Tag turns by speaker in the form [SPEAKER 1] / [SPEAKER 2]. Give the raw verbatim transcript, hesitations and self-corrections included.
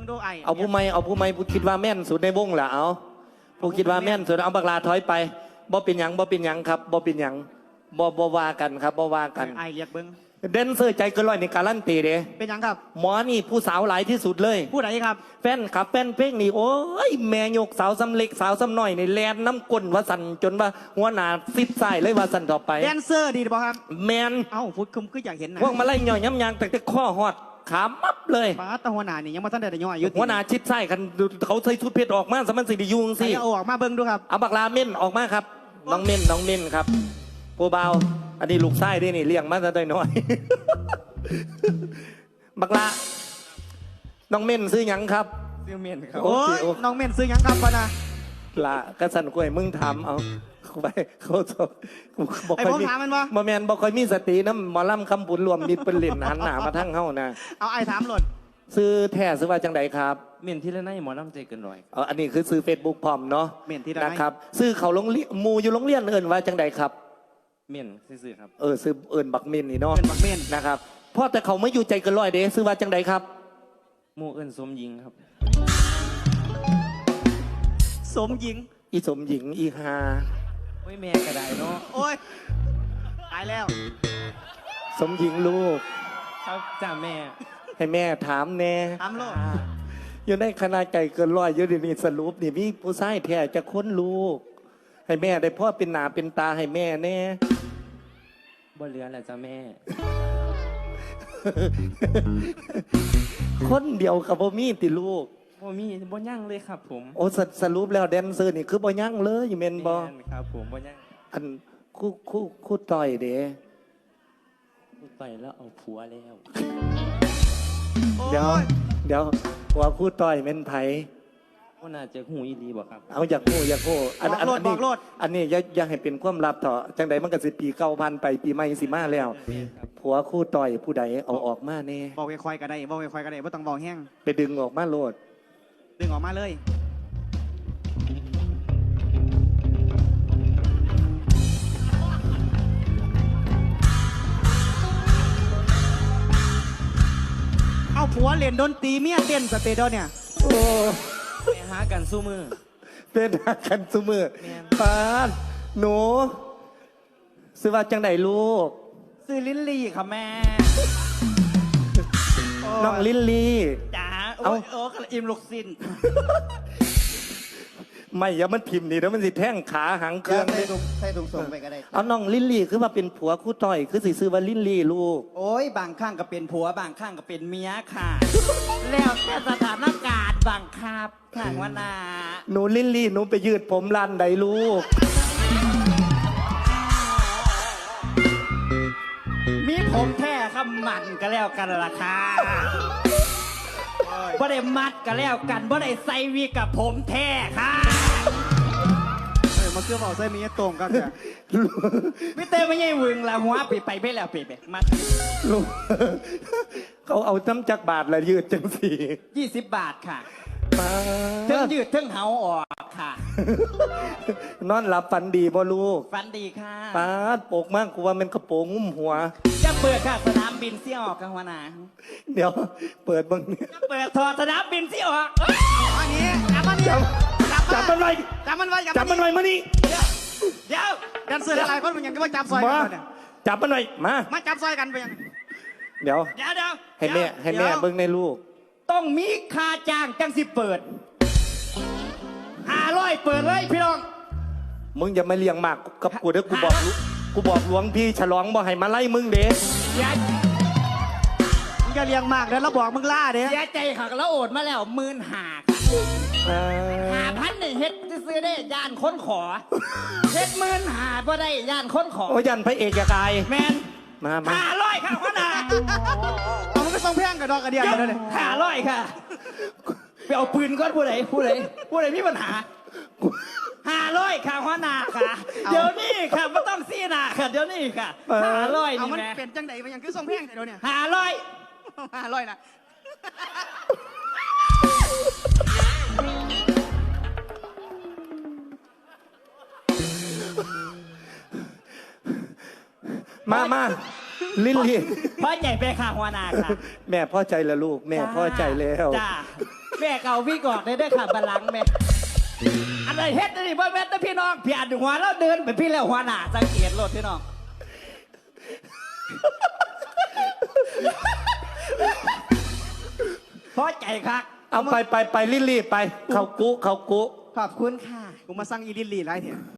[SPEAKER 1] งดูไอ
[SPEAKER 2] เอาผู้ไม่เอาผู้ไม่ผู้คิดว่าแม่นสุดในวงล่ะเอาผู้คิดว่าแม่นสุดเอาบักลาถอยไปบ่เป็นหยังบ่เป็นหยังครับบ่เป็นหยังบ่บ่ว่ากันครับบ่ว่ากัน
[SPEAKER 1] ไอเรียกเบิ้ง
[SPEAKER 2] เดนเซอร์ใจเกินร้อยในการลั่นตีเด้
[SPEAKER 1] เป็นหยังครับ
[SPEAKER 2] หมอนี่ผู้สาวหลายที่สุดเลย
[SPEAKER 1] ผู้ไหนครับ
[SPEAKER 2] แฟนขับแฟนเพลงนี่โอ้ยแม่ยกสาวซ้ำเล็กสาวซ้ำน้อยในแลนน้ำก้นว่าสั่นจนว่าหัวหน้าซิดใส่เลยว่าสั่นต่อไป
[SPEAKER 1] แดนเซอร์ดีป่ะครับ
[SPEAKER 2] แมน
[SPEAKER 1] เอ้าพูดคุมก็อยากเห็นนะ
[SPEAKER 2] พวกมาไล่ย่อยย้ำยางแต่ข้อหอดขามับเลย
[SPEAKER 1] ป้าตาหัวหน้านี่ยังมาท่านได้ย่อยอยู่
[SPEAKER 2] หัวหน้าชิดใส่กันเขาใส่ชุดเพชรออกมาสมันสิดิยุงสิ
[SPEAKER 1] เอาออกมาเบิ้งดูครับ
[SPEAKER 2] เอาบักลาเม่นออกมาครับน้องเม่นน้องเม่นครับผู้เบาอันนี้ลูกไส้ด้วยนี่เลี้ยงมาแต่น้อยบักลาน้องเม่นซื้อหยังครับ
[SPEAKER 1] ซื้อเม่นครับโอ้ยน้องเม่นซื้อหยังครับปะนะ
[SPEAKER 2] ละกระสันกล้วยมึงถามเอาไปเขาบอก
[SPEAKER 1] ไอ้ผมถามมันว่า
[SPEAKER 2] บ่แมนบอกคอยมีสติน้ำหมอลำคำบุญรวมมิตรเป็นเหรียญหันหนามาทั้งเฮ้านะ
[SPEAKER 1] เอาไอ้ถามหล่น
[SPEAKER 2] ซื้อแท้ซื้อว่าจังไดครับ
[SPEAKER 3] เม่นที่ละไนหมอลำใจเกินร้อย
[SPEAKER 2] เอออันนี้คือซื้อเฟซบุ๊กพร้อมเนาะ
[SPEAKER 1] เม่นที่ละ
[SPEAKER 2] นะครับซื้อเขาลงมูอยู่โรงเรียนเอิญว่าจังไดครับ
[SPEAKER 3] เม่นซื้อครับ
[SPEAKER 2] เออซื้อเอิญบักเม่นนี่เนาะ
[SPEAKER 1] เอิญบักเม่น
[SPEAKER 2] นะครับเพราะแต่เขาไม่อยู่ใจเกินร้อยเด้ซื้อว่าจังไดครับ
[SPEAKER 3] มูเอิญสมยิงครับ
[SPEAKER 1] สมยิง
[SPEAKER 2] อีสมหญิงอีฮา
[SPEAKER 3] โอ้ยแม่กระไดเนาะ
[SPEAKER 1] โอ้ยตายแล้ว
[SPEAKER 2] สมหญิงลูก
[SPEAKER 3] ครับจ้าแม่
[SPEAKER 2] ให้แม่ถามแน่
[SPEAKER 1] ถามลูก
[SPEAKER 2] อยู่ในคณะไก่เกินร้อยอยู่ดีๆสรุปนี่มีผู้ชายแท้จะค้นลูกให้แม่ได้พ่อเป็นหนาเป็นตาให้แม่แน่
[SPEAKER 3] บ่เหลือแหละจ้าแม่
[SPEAKER 2] คนเดียวกับบ่มีติลูก
[SPEAKER 3] บ่มีบ่ยั่งเลยครับผม
[SPEAKER 2] โอ้สรุปแล้วแดนเซอร์นี่คือบ่ยั่งเลยอยู่เมนบ่
[SPEAKER 3] ครับผมบ่ยั่ง
[SPEAKER 2] อันคู่คู่คู่ต่อยเด้
[SPEAKER 3] คู่ต่อยแล้วเอาผัวแล้ว
[SPEAKER 2] เดี๋ยวเดี๋ยวว่าคู่ต่อยเม่นไผ
[SPEAKER 3] ว่าน่าจะหูอีดีบ่ครับ
[SPEAKER 2] เอาอยากคู่อยากคู่
[SPEAKER 1] อันอันนี้
[SPEAKER 2] อันนี้อย่าอย่าให้เป็นความลับเถอะจังใดมันก็สิปีเก้าพันไปปีใหม่สิมาแล้วผัวคู่ต่อยผู้ใดเอาออกมาแน่
[SPEAKER 1] บอกค่อยๆก็ได้บอกค่อยๆก็ได้บ่ต้องบอกแห้ง
[SPEAKER 2] ไปดึงออกมาโลด
[SPEAKER 1] ดึงออกมาเลยเอาผัวเล่นดนตรีเมียเต้นสเตเดียเนี่ย
[SPEAKER 2] โอ้
[SPEAKER 3] ไปหากันสู้มือ
[SPEAKER 2] เป็นหากันสู้มือปานหนูซื้อว่าจังไหนลูก
[SPEAKER 1] ซื้อลิลลี่ค่ะแม่
[SPEAKER 2] น้องลิลลี่
[SPEAKER 1] จ๋าโอ้โอ้กระอิ่มลูกสิ้น
[SPEAKER 2] ไม่อย่ามันพิมพ์นี่แล้วมันสิแท่งขาหางเครื่อง
[SPEAKER 4] ใส่ถุงใส่ถุงส่งไปก็ได้
[SPEAKER 2] เอาน้องลิลลี่คือว่าเป็นผัวคู่ต่อยคือสิซื้อว่าลิลลี่ลูก
[SPEAKER 1] โอ้ยบางข้างก็เป็นผัวบางข้างก็เป็นเมียค่ะแล้วแต่สถานการณ์บางครับข้างว่านา
[SPEAKER 2] หนูลิลลี่หนูไปยืดผมรันใดลูก
[SPEAKER 1] มีผมแท้ครับมันก็แล้วกันราคาบ่ได้มัดก็แล้วกันบ่ได้ใส่วีกับผมแท้ค่ะเฮ้ยมาเชื่อเปล่าใส่มีตรงกันจ้ะไม่เต้ไม่ใช่วึงละหัวไปไปไปแล้วไปไปมัด
[SPEAKER 2] ลูกเขาเอาจ้ำจักบาทละยืดจังสี่
[SPEAKER 1] ยี่สิบบาทค่ะเทิงยืดเทิงเหาออกค่ะ
[SPEAKER 2] นอนหลับฝันดีบ่ลูก
[SPEAKER 1] ฝันดีค่ะ
[SPEAKER 2] ป้าโปกมากกูว่ามันกระโปรงงุ้มหัว
[SPEAKER 1] จะเปิดค่ะสนามบินเสี่ยออกกันวะนะ
[SPEAKER 2] เดี๋ยวเปิดบังเนี่ย
[SPEAKER 1] เปิดถอดสนามบินเสี่ยออกอันนี้จับมันนี่
[SPEAKER 2] จับมันไว้
[SPEAKER 1] จับมันไว้
[SPEAKER 2] จับมันไว้มานี่
[SPEAKER 1] เดี๋ยวกันเสืออะไรคนมันยังก็ว่าจับซอย
[SPEAKER 2] กันเนี่ยจับมันไว้มา
[SPEAKER 1] มาจับซอยกันไปยัง
[SPEAKER 2] เดี๋ยว
[SPEAKER 1] เดี๋ยวเดี๋ยว
[SPEAKER 2] ให้แม่ให้แม่เบิ้งในลูก
[SPEAKER 1] ต้องมีค่าจ้างจังสิเปิดห้าร้อยเปิดเลยพี่น้อง
[SPEAKER 2] มึงอย่ามาเลี้ยงมากกับกูเด้อกูบอกกูบอกหลวงพี่ฉลองบอกให้มาไล่มึงเด้
[SPEAKER 1] อย่ามึงจะเลี้ยงมากเด้อแล้วบอกมึงล่าเด้เสียใจค่ะแล้วโอดมาแล้วหมื่นห้าห้าพันเนี่ยเฮ็ดซื้อได้ย่านค้นขอเฮ็ดหมื่นห้าบ่ได้ย่านค้นขอ
[SPEAKER 2] โอ้ยันพระเอกจะกาย
[SPEAKER 1] แมน
[SPEAKER 2] มามา
[SPEAKER 1] ห้าร้อยค่ะพ่อนาเอามันก็ต้องแพงกับดอกกระเดียนเลยห้าร้อยค่ะไปเอาปืนก้อนผู้ใดผู้ใดผู้ใดมีปัญหาห้าร้อยค่ะพ่อนาค่ะเดี๋ยวนี้ค่ะไม่ต้องซีนาค่ะเดี๋ยวนี้ค่ะห้าร้อยนี่แม่เป็นจังไดมันยังคือทรงแพงแต่เดี๋ยวนี้ห้าร้อยห้าร้อยนะ
[SPEAKER 2] มามาลิลลี่
[SPEAKER 1] พ่อใจไปค่ะหัวนาค่ะ
[SPEAKER 2] แม่พ่อใจแล้วลูกแม่พ่อใจแล้ว
[SPEAKER 1] จ้าแม่เก่าพี่กอดได้ได้ค่ะบัลลังก์แม่อะไรเฮ็ดนี่บ่แม่นแต่พี่น้องพี่อันหัวแล้วเดินไปพี่แล้วหัวหน้าสังเกตรถพี่น้องพอใจครับ
[SPEAKER 2] เอาไปไปไปรีบๆไป เขากุเขากุ
[SPEAKER 1] ขอบคุณค่ะ
[SPEAKER 4] กูมาสั่งอีลิลลี่ไรเนี่ย